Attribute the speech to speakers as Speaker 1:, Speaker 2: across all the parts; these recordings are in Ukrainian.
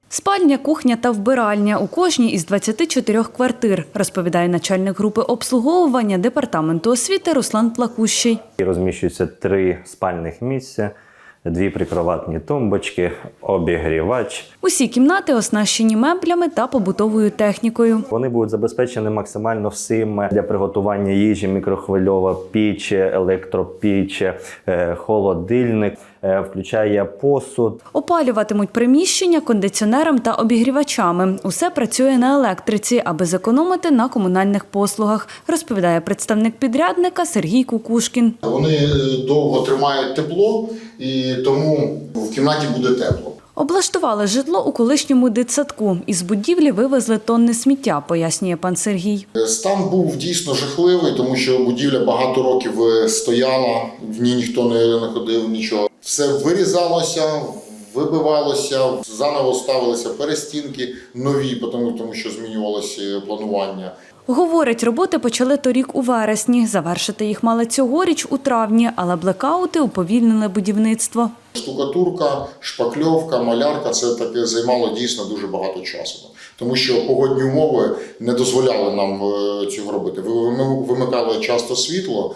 Speaker 1: Спальня, кухня та вбиральня у кожній із 24 квартир, розповідає начальник групи обслуговування Департаменту освіти Руслан Плакущий.
Speaker 2: Розміщуються 3 спальних місця, 2 прикроватні тумбочки, обігрівач.
Speaker 1: Усі кімнати оснащені меблями та побутовою технікою.
Speaker 2: Вони будуть забезпечені максимально всім для приготування їжі: мікрохвильова піч, електропіч, холодильник, включає посуд.
Speaker 1: Опалюватимуть приміщення кондиціонером та обігрівачами. Усе працює на електриці, аби зекономити на комунальних послугах, розповідає представник підрядника Сергій Кукушкін.
Speaker 3: Вони довго тримають тепло, і тому в кімнаті буде тепло.
Speaker 1: Облаштували житло у колишньому дитсадку. Із будівлі вивезли тонни сміття, пояснює пан Сергій.
Speaker 3: Стан був дійсно жахливий, тому що будівля багато років стояла, в ній ніхто не ходив, нічого. Все вирізалося, вибивалося, заново ставилися перестінки нові, тому що змінювалося планування.
Speaker 1: Говорить, роботи почали торік у вересні. Завершити їх мали цьогоріч у травні, але блекаути уповільнили будівництво.
Speaker 3: Штукатурка, шпакльовка, малярка – це таке займало дійсно дуже багато часу. Тому що погодні умови не дозволяли нам цього робити. Вимикали часто світло,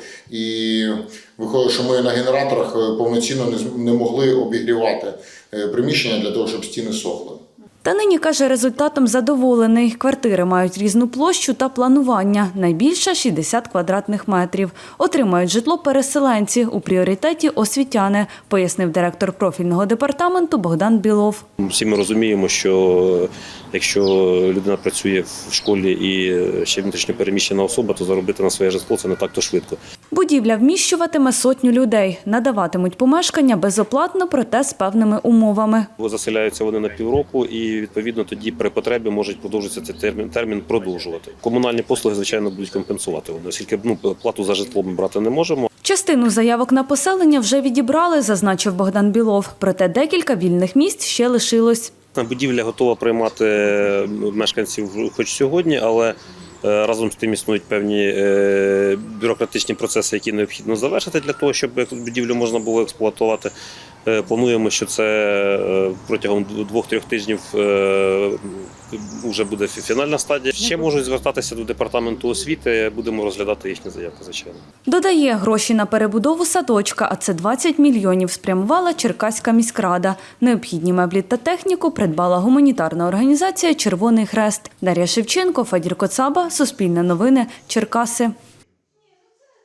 Speaker 3: і виходить, що ми на генераторах повноцінно не могли обігрівати приміщення для того, щоб стіни сохли.
Speaker 1: Та нині, каже, результатом задоволений. Квартири мають різну площу та планування. Найбільша – 60 квадратних метрів. Отримають житло переселенці. У пріоритеті – освітяни, пояснив директор профільного департаменту Богдан Білов.
Speaker 4: Всі ми розуміємо, що якщо людина працює в школі і ще внутрішньо переміщена особа, то заробити на своє житло – це не так-то швидко.
Speaker 1: Будівля вміщуватиме 100 людей. Надаватимуть помешкання безоплатно, проте з певними умовами.
Speaker 4: Заселяються вони на півроку і, відповідно, тоді при потребі можуть продовжитися цей термін продовжувати. Комунальні послуги, звичайно, будуть компенсувати вони, оскільки плату за житло ми брати не можемо.
Speaker 1: Частину заявок на поселення вже відібрали, зазначив Богдан Білов. Проте декілька вільних місць ще лишилось.
Speaker 4: Будівля готова приймати мешканців хоч сьогодні, але разом з тим існують певні бюрократичні процеси, які необхідно завершити для того, щоб будівлю можна було експлуатувати. Плануємо, що це протягом 2-3 тижнів вже буде фінальна стадія. Ще можуть звертатися до департаменту освіти, будемо розглядати їхні заявки, звичайно.
Speaker 1: Додає, гроші на перебудову садочка, а це 20 мільйонів, спрямувала Черкаська міськрада. Необхідні меблі та техніку придбала гуманітарна організація «Червоний Хрест». Дар'я Шевченко, Федір Коцаба, Суспільне новини, Черкаси.